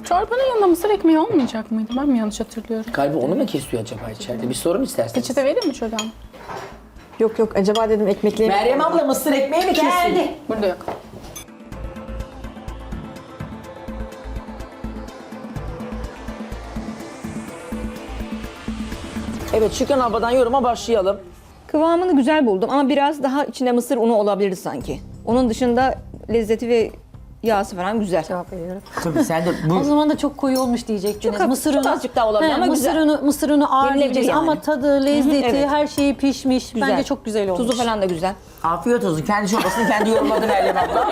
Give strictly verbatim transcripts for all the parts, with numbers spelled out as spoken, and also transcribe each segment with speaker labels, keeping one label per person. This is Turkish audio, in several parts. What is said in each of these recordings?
Speaker 1: Çorbanın yanında mısır ekmeği olmayacak mıydı? Ben mi yanlış hatırlıyorum?
Speaker 2: Kalbi onu mu kesiyor acaba içeride? Bir sorun isterseniz.
Speaker 1: Peçete vereyim mi şuradan?
Speaker 3: Yok yok, acaba dedim ekmekleri...
Speaker 2: Meryem abla mısır ekmeği mi kesiyor?
Speaker 4: Geldi.
Speaker 1: Burada yok.
Speaker 2: Evet, Şükran abladan yoruma başlayalım.
Speaker 5: Kıvamını güzel buldum ama biraz daha içinde mısır unu olabilir sanki. Onun dışında lezzeti ve yağsı falan güzel.
Speaker 4: Cevap veriyorum.
Speaker 2: Tabii sen de bu...
Speaker 4: O zaman da çok koyu olmuş diyecektiniz.
Speaker 5: Çok-
Speaker 4: mısır
Speaker 5: çok
Speaker 4: unu-
Speaker 5: azıcık daha olabilir
Speaker 4: He,
Speaker 5: ama
Speaker 4: mısır
Speaker 5: güzel.
Speaker 4: unu, mısır unu ağır
Speaker 5: Yenilebilir
Speaker 4: diyeceğiz
Speaker 5: yani.
Speaker 4: ama tadı, lezzeti,
Speaker 5: evet.
Speaker 4: her şeyi pişmiş.
Speaker 5: Güzel.
Speaker 4: Bence çok güzel olmuş.
Speaker 5: Tuzu falan da güzel.
Speaker 2: Afiyet olsun. Kendi çorbasını kendi yorumladı Meryem abla.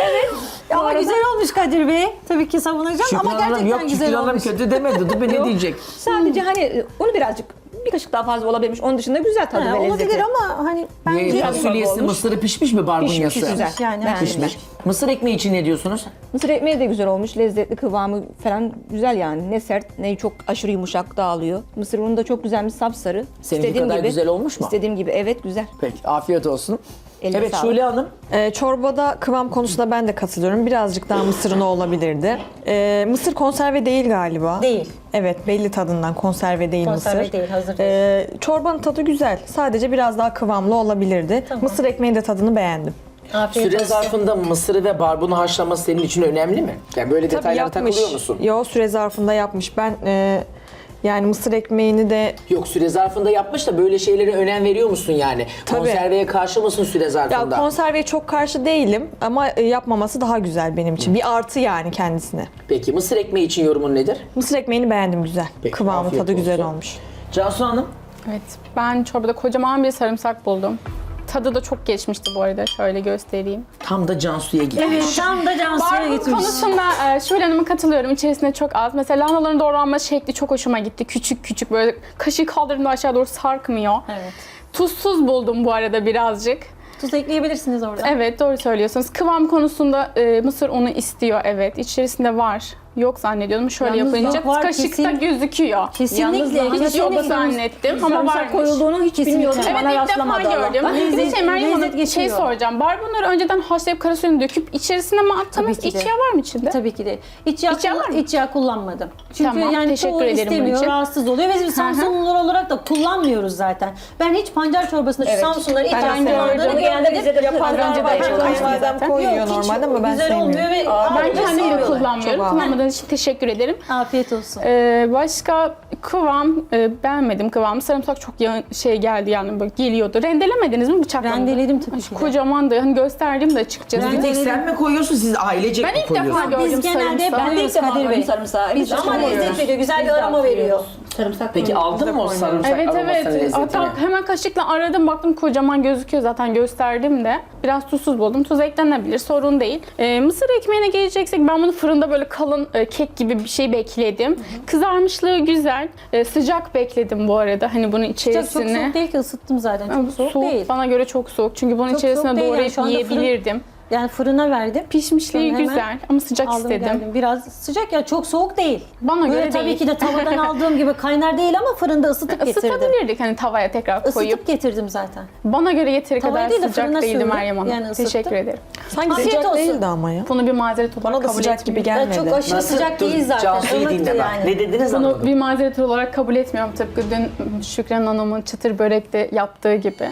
Speaker 4: Ama güzel olmuş Kadir Bey. Tabii ki savunacağım
Speaker 2: Şükran
Speaker 4: ama
Speaker 2: Hanım
Speaker 4: gerçekten
Speaker 2: yok,
Speaker 4: güzel
Speaker 2: Şükran Hanım
Speaker 4: olmuş.
Speaker 2: kötü demedi. Dur be ne diyecek?
Speaker 5: Sadece hani unu birazcık bir kaşık daha fazla olabilirmiş. Onun dışında güzel tadı
Speaker 4: He,
Speaker 5: ve lezzeti.
Speaker 4: olabilir ama hani bence
Speaker 2: Ye- Fasulyesi,
Speaker 5: olmuş.
Speaker 2: mısırı pişmiş mi barbunyası?
Speaker 5: Pişmiş, güzel.
Speaker 4: yani
Speaker 5: Beğendim
Speaker 2: Pişmiş. Mısır ekmeği için ne diyorsunuz?
Speaker 5: Mısır ekmeği de güzel olmuş. Lezzetli, kıvamı falan güzel yani. Ne sert ne çok aşırı yumuşak dağılıyor. Mısır unu da çok güzelmiş, sapsarı.
Speaker 2: Seninki
Speaker 5: İstediğim
Speaker 2: kadar
Speaker 5: gibi,
Speaker 2: güzel olmuş mu?
Speaker 5: İstediğim gibi, evet güzel.
Speaker 2: Peki, afiyet olsun.
Speaker 5: Eline
Speaker 2: evet,
Speaker 5: sağlık.
Speaker 2: Şule Hanım.
Speaker 3: Ee, çorbada kıvam konusunda ben de katılıyorum. Birazcık daha mısır unu olabilirdi. Ee, mısır konserve değil galiba.
Speaker 4: Değil.
Speaker 3: Evet, belli tadından konserve değil
Speaker 4: Konserve
Speaker 3: mısır.
Speaker 4: değil, hazır
Speaker 3: Ee, çorbanın tadı güzel. Sadece biraz daha kıvamlı olabilirdi. Mısır ekmeğin de tadını beğendim.
Speaker 4: afiyet
Speaker 2: Süre
Speaker 4: olsun.
Speaker 2: zarfında mısırı ve barbunu haşlaması senin için önemli mi? Yani böyle
Speaker 3: Tabii
Speaker 2: detaylara
Speaker 3: yapmış.
Speaker 2: takılıyor musun?
Speaker 3: Yo, süre zarfında yapmış. Ben e, yani mısır ekmeğini de
Speaker 2: Yok, süre zarfında yapmış da böyle şeylere önem veriyor musun yani?
Speaker 3: Tabii.
Speaker 2: Konserveye karşı mısın süre
Speaker 3: ya
Speaker 2: zarfında?
Speaker 3: konserveye çok karşı değilim ama e, yapmaması daha güzel benim için. Bir artı yani kendisine.
Speaker 2: Peki mısır ekmeği için yorumun nedir?
Speaker 3: Mısır ekmeğini beğendim, güzel.
Speaker 2: Peki,
Speaker 3: Kıvamı,
Speaker 2: afiyet
Speaker 3: tadı güzel
Speaker 2: olsun.
Speaker 3: olmuş.
Speaker 2: Cansu Hanım.
Speaker 1: Evet, ben çorbada kocaman bir sarımsak buldum. Tadı da çok geçmişti bu arada. Şöyle göstereyim.
Speaker 2: Tam da Cansu'ya gitmiş.
Speaker 4: Tam da Cansu'ya
Speaker 1: Barbun
Speaker 4: gitmiş.
Speaker 1: konusunda e, Şule Hanım'a katılıyorum. İçerisinde çok az. Mesela lahanaların doğranma şekli çok hoşuma gitti. Küçük küçük böyle kaşığı kaldırdığımda aşağı doğru sarkmıyor.
Speaker 4: Evet.
Speaker 1: Tuzsuz buldum bu arada birazcık.
Speaker 4: Tuz ekleyebilirsiniz orada.
Speaker 1: Evet, doğru söylüyorsunuz. Kıvam konusunda e, mısır unu istiyor, evet. İçerisinde var. Yok zannediyordum. Şöyle
Speaker 4: Yalnız
Speaker 1: yapınca
Speaker 4: yok, var,
Speaker 1: kaşıkta
Speaker 4: kesin.
Speaker 1: gözüküyor.
Speaker 4: Kesinlikle.
Speaker 5: Yalnız
Speaker 1: Hiç yok zannettim ama
Speaker 5: Sarımsak
Speaker 1: varmış.
Speaker 5: koyulduğunu hiç
Speaker 4: Kesinlikle.
Speaker 5: bilmiyordum.
Speaker 1: Evet,
Speaker 5: Bana
Speaker 1: ilk defa
Speaker 5: rastlamadı
Speaker 1: gördüm.
Speaker 5: Allah'tan.
Speaker 1: Bir de
Speaker 4: Lezzet-
Speaker 1: şey Meryem Hanım,
Speaker 4: lezzet
Speaker 1: bir şey
Speaker 4: geçiyor.
Speaker 1: soracağım. Barbunları önceden haşlayıp kara suyunu döküp içerisine mi attınız?
Speaker 4: Tabii ki de.
Speaker 1: İç yağ var mı içinde?
Speaker 4: Tabii ki de. İç yağ,
Speaker 1: İç yağ var mı?
Speaker 4: iç yağ kullanmadım. Çünkü
Speaker 1: Tamam,
Speaker 4: yani
Speaker 1: teşekkür
Speaker 4: çoğu
Speaker 1: ederim bunun
Speaker 4: istemiyor,
Speaker 1: için.
Speaker 4: rahatsız oluyor. Ve biz Samsunlular olarak da kullanmıyoruz zaten. Ben hiç pancar çorbasında şu
Speaker 5: Evet.
Speaker 4: Samsunların iç
Speaker 5: Ben
Speaker 4: yağ
Speaker 5: de sevmiyorum.
Speaker 4: kullandığını
Speaker 5: Onu genelde
Speaker 4: görmedim.
Speaker 5: bize de
Speaker 3: Yapanlar
Speaker 1: önce de
Speaker 3: var.
Speaker 1: yapılmıştı
Speaker 3: Kayınvalidem
Speaker 1: zaten.
Speaker 3: koyuyor
Speaker 4: Yok, hiç
Speaker 3: normalde ama ben
Speaker 4: güzel
Speaker 3: sevmiyorum.
Speaker 4: olmuyor ve
Speaker 1: Ben
Speaker 4: ağırlığı
Speaker 1: kendim de
Speaker 4: sevmiyorlar.
Speaker 1: kullanmıyorum.
Speaker 3: Çok ağır.
Speaker 1: Kullanmadığınız için teşekkür ederim.
Speaker 4: Afiyet olsun.
Speaker 1: Ee, başka kıvam e, beğenmedim kıvamı. Sarımsak çok ya- şey geldi yani böyle geliyordu. Rendelemediniz mi bıçakla?
Speaker 4: Rendeledim tabii
Speaker 1: Ay,
Speaker 4: ki de.
Speaker 1: Kocamandı. Hani gösterdim de açıkçası.
Speaker 2: Bir tek sen mi koyuyorsun, siz ailecek
Speaker 1: Ben
Speaker 2: mi
Speaker 1: ilk defa
Speaker 2: koyuyorsunuz?
Speaker 1: gördüm
Speaker 4: Biz genelde
Speaker 1: sarımsağı.
Speaker 4: ben
Speaker 5: Ben de ilk
Speaker 4: koyuyoruz
Speaker 5: defa
Speaker 4: Kadir Bey.
Speaker 5: koydum sarımsağı.
Speaker 4: Biz ama lezzet veriyor, güzel bir aroma veriyor.
Speaker 5: Sarımsak
Speaker 2: Peki aldın mı o sarımsak
Speaker 1: Evet
Speaker 2: aromasını,
Speaker 1: evet.
Speaker 2: lezzetini?
Speaker 1: Hatta hemen kaşıkla aradım, baktım kocaman gözüküyor, zaten gösterdim de. Biraz tuzsuz buldum. Tuz eklenebilir, sorun değil. Ee, mısır ekmeğine geleceksek ben bunu fırında böyle kalın e, kek gibi bir şey bekledim. Hı hı. Kızarmışlığı güzel. E, sıcak bekledim bu arada. Hani bunun
Speaker 4: Çok, çok
Speaker 1: içerisine.
Speaker 4: soğuk değil ki, ısıttım zaten. Çok
Speaker 1: Yani
Speaker 4: soğuk,
Speaker 1: soğuk,
Speaker 4: değil.
Speaker 1: bana göre çok soğuk. Çünkü bunun
Speaker 4: Çok
Speaker 1: içerisine
Speaker 4: soğuk değil yani.
Speaker 1: doğrayıp
Speaker 4: Şu anda fırın-
Speaker 1: yiyebilirdim.
Speaker 4: Yani fırına verdim.
Speaker 1: Pişmişliği
Speaker 4: Sonra hemen
Speaker 1: güzel ama sıcak
Speaker 4: Aldım
Speaker 1: istedim.
Speaker 4: geldim. Biraz sıcak ya, çok soğuk değil.
Speaker 1: Bana
Speaker 4: Böyle
Speaker 1: göre
Speaker 4: tabii
Speaker 1: değil.
Speaker 4: ki de tavadan aldığım gibi kaynar değil ama fırında ısıtıp getirdim.
Speaker 1: Isıtabilirdik hani tavaya tekrar koyup.
Speaker 4: Isıtıp getirdim zaten.
Speaker 1: Bana göre yeteri
Speaker 4: Tavaya
Speaker 1: kadar
Speaker 4: değil de
Speaker 1: sıcak
Speaker 4: fırına
Speaker 1: değildi
Speaker 4: sürdüm.
Speaker 1: Meryem Hanım.
Speaker 4: Yani ısıttım.
Speaker 1: Teşekkür ederim.
Speaker 3: Sanki
Speaker 4: Afiyet
Speaker 3: sıcak
Speaker 4: olsun.
Speaker 3: değildi ama ya.
Speaker 1: Bunu bir mazeret olarak
Speaker 3: Bana da
Speaker 1: kabul
Speaker 3: sıcak gibi
Speaker 1: etmiyorum.
Speaker 3: gelmedi.
Speaker 4: Ya çok aşırı sıcak
Speaker 2: Dur,
Speaker 4: değil zaten.
Speaker 2: Cansu'yu
Speaker 4: ılıktı
Speaker 2: dinle bak.
Speaker 4: yani.
Speaker 2: Ne dediniz
Speaker 1: Bunu
Speaker 2: anlamadım.
Speaker 1: bir mazeret olarak kabul etmiyorum. Tıpkı dün Şükran Hanım'ın çıtır börekte yaptığı gibi.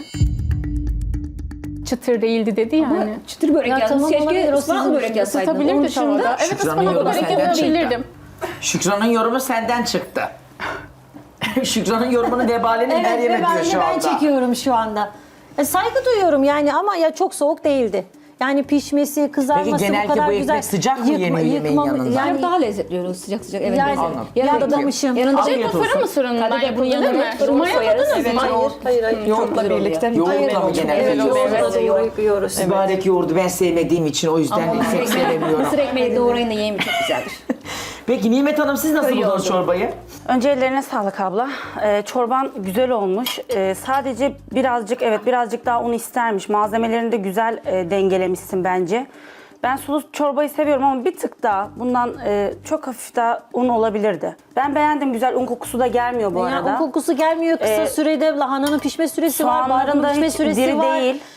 Speaker 1: Çıtır değildi dedi yani.
Speaker 5: Çıtır börek
Speaker 4: Ya
Speaker 5: yazmış.
Speaker 4: tamam, olabilir,
Speaker 5: Keşke
Speaker 4: o
Speaker 5: ıspanaklı
Speaker 4: sizin
Speaker 5: börek yazsaydın. Onun
Speaker 1: Isıtabilirdi
Speaker 5: dışında
Speaker 1: tavada. Evet,
Speaker 2: Şükran'ın
Speaker 1: ıspanaklı
Speaker 2: yorumu
Speaker 1: börek
Speaker 2: senden çıktı.
Speaker 1: yapabilirdim.
Speaker 2: Şükran'ın yorumu senden çıktı. Şükran'ın yorumunu vebalini
Speaker 4: Evet,
Speaker 2: Meryem
Speaker 4: ve ben,
Speaker 2: ediyor şu
Speaker 4: ben
Speaker 2: anda.
Speaker 4: çekiyorum şu anda. E, saygı duyuyorum yani ama ya çok soğuk değildi. Yani pişmesi, kızarması
Speaker 2: Peki genellikle
Speaker 4: bu kadar
Speaker 2: bu ekmek
Speaker 4: güzel.
Speaker 2: sıcak mı yeniyor yemeğin yanında?
Speaker 5: Yani
Speaker 4: Yani
Speaker 5: daha lezzetli oluyor sıcak sıcak. Evet.
Speaker 4: Yani-
Speaker 5: lezzet.
Speaker 2: Anladım.
Speaker 4: ya
Speaker 5: Yanında-
Speaker 4: adamışım.
Speaker 5: Yanında
Speaker 2: Afiyet
Speaker 5: şey
Speaker 2: olsun.
Speaker 1: Fırın mısırından
Speaker 5: Kadir Bey,
Speaker 1: yapıldı
Speaker 5: bunun
Speaker 1: değil mi?
Speaker 5: yanına
Speaker 1: Roma
Speaker 5: yoğurt
Speaker 1: yapmadınız
Speaker 5: koyarız.
Speaker 1: mı?
Speaker 5: Evet, yoğurt.
Speaker 4: hayır, hayır.
Speaker 3: Yoğurtla
Speaker 5: güzel
Speaker 3: birlikte.
Speaker 2: Yoğurtla mı
Speaker 3: Evet,
Speaker 2: genelde
Speaker 1: evet,
Speaker 2: yiyorsunuz?
Speaker 1: evet.
Speaker 4: da yoğurt yiyoruz.
Speaker 2: Mübarek yoğurdu ben sevmediğim için o yüzden pek sevemiyorum.
Speaker 5: Mısır ekmeği doğrayın da yiyin, çok güzeldir.
Speaker 2: Peki Nimet Hanım siz nasıl buldunuz çorbayı?
Speaker 6: Önce ellerine sağlık abla. Ee, çorban güzel olmuş. Ee, sadece birazcık evet birazcık daha un istermiş. Malzemelerini de güzel e, dengelemişsin bence. Ben sulu çorbayı seviyorum ama bir tık daha bundan e, çok hafif daha un olabilirdi. Ben beğendim, güzel, un kokusu da gelmiyor bu
Speaker 4: Yani
Speaker 6: arada.
Speaker 4: o kokusu gelmiyor. Kısa
Speaker 6: Ee,
Speaker 4: sürede lahananın pişme süresi var,
Speaker 6: soğanların
Speaker 4: barbunun
Speaker 6: da
Speaker 4: pişme
Speaker 6: hiç
Speaker 4: süresi
Speaker 6: diri
Speaker 4: var.
Speaker 6: değil.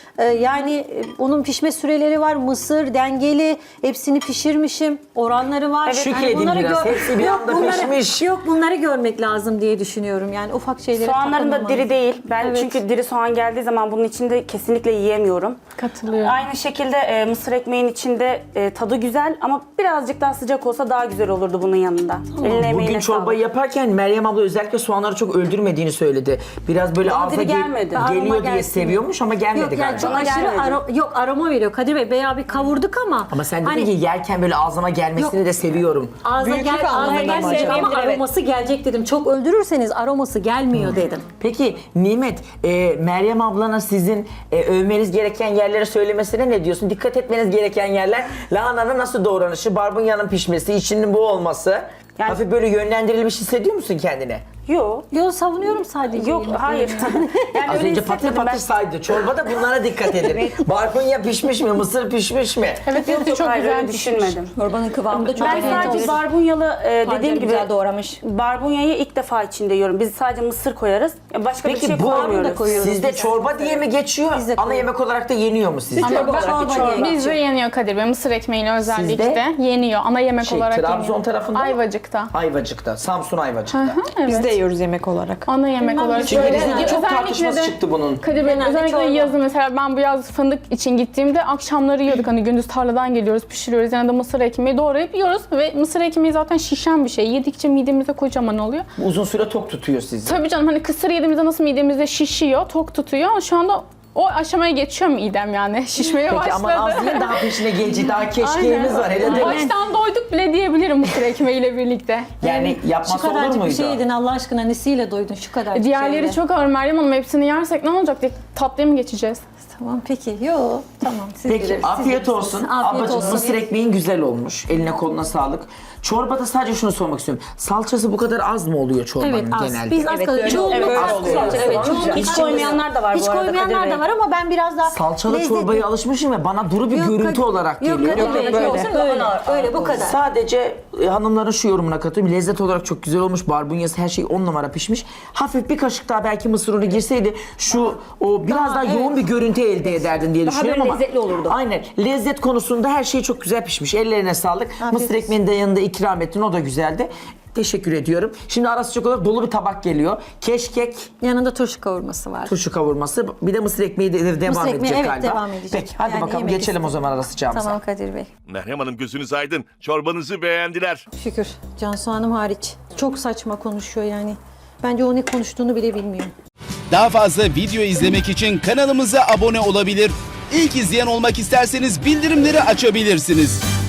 Speaker 4: Ee, yani e, onun pişme süreleri var. Mısır dengeli. Hepsini pişirmişim. Oranları var.
Speaker 2: Şükredin biraz, hepsi bir anda
Speaker 4: bunları,
Speaker 2: pişmiş.
Speaker 4: Yok bunları görmek lazım diye düşünüyorum. Yani ufak şeylere
Speaker 6: Soğanların da
Speaker 4: takılmamanız.
Speaker 6: diri değil. Ben
Speaker 4: Evet.
Speaker 6: çünkü diri soğan geldiği zaman bunun içinde kesinlikle yiyemiyorum.
Speaker 1: Katılıyorum.
Speaker 6: Aynı şekilde e, mısır ekmeğin içinde e, tadı güzel ama birazcık daha sıcak olsa daha güzel olurdu bunun yanında. Eline emeğine
Speaker 2: Bugün çorbayı
Speaker 6: sağlık.
Speaker 2: yaparken Meryem abla özellikle soğanları çok öldürmediğini söyledi. Biraz böyle
Speaker 6: Bana
Speaker 2: ağza
Speaker 6: diri
Speaker 2: gel-
Speaker 6: gelmedi.
Speaker 4: Aroma
Speaker 2: geliyor diye
Speaker 4: gelsin.
Speaker 2: seviyormuş ama gelmedi
Speaker 4: Yok yani
Speaker 2: galiba.
Speaker 4: çok
Speaker 6: Bana
Speaker 4: aşırı
Speaker 6: gelmedi.
Speaker 4: aro- yok aroma veriyor Kadir Bey. Bayağı bir kavurduk ama.
Speaker 2: Ama sen dedin
Speaker 4: hani
Speaker 2: ki yerken böyle ağzıma gelmesini
Speaker 4: Yok.
Speaker 2: de seviyorum.
Speaker 4: ağza
Speaker 3: Büyüklük
Speaker 4: gel, ağza
Speaker 3: anlamında
Speaker 4: gelmeyecek
Speaker 5: mı
Speaker 4: ama
Speaker 5: acaba? Evet.
Speaker 4: aroması gelecek dedim. Çok öldürürseniz aroması gelmiyor dedim.
Speaker 2: Peki Nimet, e, Meryem ablana sizin e, övmeniz gereken yerleri söylemesine ne diyorsun? Dikkat etmeniz gereken yerler lahananın nasıl doğranışı, barbunyanın pişmesi, içinin bu olması.
Speaker 6: Yani-
Speaker 2: Hafif böyle yönlendirilmiş hissediyor musun kendine?
Speaker 6: Yok.
Speaker 4: Yo savunuyorum sadece.
Speaker 6: Yok hayır. Yani
Speaker 2: Az
Speaker 6: öyle
Speaker 2: önce patır
Speaker 6: hissetmedim
Speaker 2: patır
Speaker 6: ben.
Speaker 2: saydı. Çorbada bunlara dikkat edin. Barbunya pişmiş mi, mısır pişmiş mi?
Speaker 1: Evet,
Speaker 6: Yok
Speaker 1: hepsi
Speaker 6: yok
Speaker 1: çok
Speaker 6: hayır
Speaker 1: güzel
Speaker 6: öyle
Speaker 1: pişmiş.
Speaker 6: düşünmedim.
Speaker 5: Çorbanın kıvamı da çok
Speaker 6: Ben
Speaker 5: güzel.
Speaker 6: sadece barbunyalı e, dediğim
Speaker 5: Pancarı
Speaker 6: gibi
Speaker 5: güzel doğramış.
Speaker 6: barbunyayı ilk defa içinde yiyorum. Biz sadece mısır koyarız. Başka bir
Speaker 2: Peki
Speaker 6: şey
Speaker 2: bu
Speaker 6: koymuyoruz.
Speaker 4: koyuyoruz
Speaker 2: sizde
Speaker 4: biz.
Speaker 2: çorba diye mi geçiyor?
Speaker 4: Biz de
Speaker 2: Ana
Speaker 4: koyuyoruz.
Speaker 2: yemek olarak da yeniyor mu sizce?
Speaker 1: Ama
Speaker 4: Çorba
Speaker 1: ben-
Speaker 4: olarak
Speaker 6: çorba.
Speaker 1: Bizde yeniyor Kadir Bey. Mısır ekmeğiyle özellikle
Speaker 2: Sizde?
Speaker 1: yeniyor. Ana yemek
Speaker 2: Şey,
Speaker 1: olarak
Speaker 2: Trabzon
Speaker 1: yeniyor.
Speaker 2: tarafında mı?
Speaker 1: Ayvacık'ta.
Speaker 2: Ayvacık'ta, Samsun Ayvacık'ta.
Speaker 1: Evet.
Speaker 3: Biz de yiyoruz yemek olarak.
Speaker 1: Ana yemek olarak.
Speaker 2: Çünkü
Speaker 1: Böyle-
Speaker 2: bizde çok
Speaker 1: özellikle
Speaker 2: tartışması
Speaker 1: de-
Speaker 2: çıktı bunun.
Speaker 1: Kadir Bey,
Speaker 4: Genelde
Speaker 1: özellikle
Speaker 4: çorba.
Speaker 1: yazın mesela ben bu yaz fındık için gittiğimde akşamları yiyorduk. Hani gündüz tarladan geliyoruz, pişiriyoruz. Yanında mısır ekmeği doğrayıp yiyoruz. Ve mısır ekmeği zaten şişen bir şey. Yedikçe midemize kocaman oluyor.
Speaker 2: Uzun süre tok tutuyor sizi.
Speaker 1: Tabii canım, hani kısır yediğimizde nasıl midemizde şişiyor, tok tutuyor. Şu anda o aşamaya geçiyor midem yani. Şişmeye
Speaker 2: Peki
Speaker 1: başladı.
Speaker 2: aman az yiyin, daha peşine gelecek. Daha keşkeğimiz var. Hele de.
Speaker 1: Baştan doyduk bile diyebilirim mısır ekmeğiyle birlikte.
Speaker 2: Yani
Speaker 4: Şu
Speaker 2: yapması olur
Speaker 4: kadarcık bir
Speaker 2: muydu?
Speaker 4: şey yedin Allah aşkına nesiyle doydun şu kadar.
Speaker 1: Diğerleri çok ağır Meryem Hanım. Hepsini yersek ne olacak diye tatlıya mı geçeceğiz?
Speaker 4: Tamam peki. Yo tamam siz
Speaker 2: Peki
Speaker 4: bilirsiniz, siz
Speaker 2: afiyet
Speaker 4: bilirsiniz.
Speaker 2: olsun.
Speaker 4: Afiyet
Speaker 2: Ablacığım
Speaker 4: olsun.
Speaker 2: mısır ekmeğin güzel olmuş. Eline koluna sağlık. Çorbada sadece şunu sormak istiyorum. Salçası bu kadar az mı oluyor çorbanın
Speaker 4: Evet az.
Speaker 2: genelde?
Speaker 4: Biz az
Speaker 5: Evet,
Speaker 4: kalıyor.
Speaker 5: öyle
Speaker 4: Çoğunluk
Speaker 5: oluyor.
Speaker 4: az
Speaker 5: Evet,
Speaker 4: kullanıyoruz.
Speaker 5: evet,
Speaker 4: Evet, çoğunluk
Speaker 6: Hiç
Speaker 4: az
Speaker 6: koymayanlar da var
Speaker 4: Hiç
Speaker 6: bu arada
Speaker 4: koymayanlar
Speaker 6: Kadir
Speaker 4: da
Speaker 6: Bey.
Speaker 4: var ama ben biraz daha
Speaker 2: Salçalı
Speaker 4: lezzetli-
Speaker 2: çorbaya alışmışım ve bana duru bir
Speaker 4: Yok,
Speaker 2: görüntü
Speaker 4: Kadir-
Speaker 2: olarak
Speaker 4: Yok
Speaker 2: geliyor.
Speaker 4: Kadir Bey,
Speaker 5: Yok,
Speaker 4: böyle,
Speaker 5: böyle.
Speaker 4: böyle, böyle bu kadar.
Speaker 2: Sadece e, hanımların şu yorumuna katılıyorum. Lezzet olarak çok güzel olmuş. Barbunyası her şey on numara pişmiş. Hafif bir kaşık daha belki mısır unu girseydi şu o biraz
Speaker 4: Daha,
Speaker 2: daha
Speaker 4: evet.
Speaker 2: yoğun bir görüntü elde ederdin diye
Speaker 5: Daha
Speaker 2: düşünüyorum
Speaker 5: böyle
Speaker 2: ama.
Speaker 5: lezzetli olurdu.
Speaker 2: Aynen. Lezzet konusunda her şey çok güzel pişmiş. Ellerine sağlık. Mısır
Speaker 4: olsun.
Speaker 2: ekmeğini de yanında ikram ettin. O da güzeldi. Teşekkür ediyorum. Şimdi ara sıcak olarak dolu bir tabak geliyor. Keşkek,
Speaker 4: Yanında turşu kavurması var.
Speaker 2: turşu kavurması, bir de mısır ekmeği de de devam
Speaker 4: Mısır ekmeği,
Speaker 2: edecek
Speaker 4: evet,
Speaker 2: galiba.
Speaker 4: devam edecek.
Speaker 2: Peki hadi
Speaker 4: Yani
Speaker 2: bakalım
Speaker 4: yemek
Speaker 2: geçelim o
Speaker 4: istedim.
Speaker 2: zaman ara sıcağımıza.
Speaker 4: Tamam Kadir Bey.
Speaker 7: Meryem Hanım gözünüz aydın. Çorbanızı beğendiler.
Speaker 4: Şükür. Cansu Hanım hariç. Çok saçma konuşuyor yani. Bence o ne konuştuğunu bile bilmiyor.
Speaker 8: Daha fazla video izlemek için kanalımıza abone olabilir. İlk izleyen olmak isterseniz bildirimleri açabilirsiniz.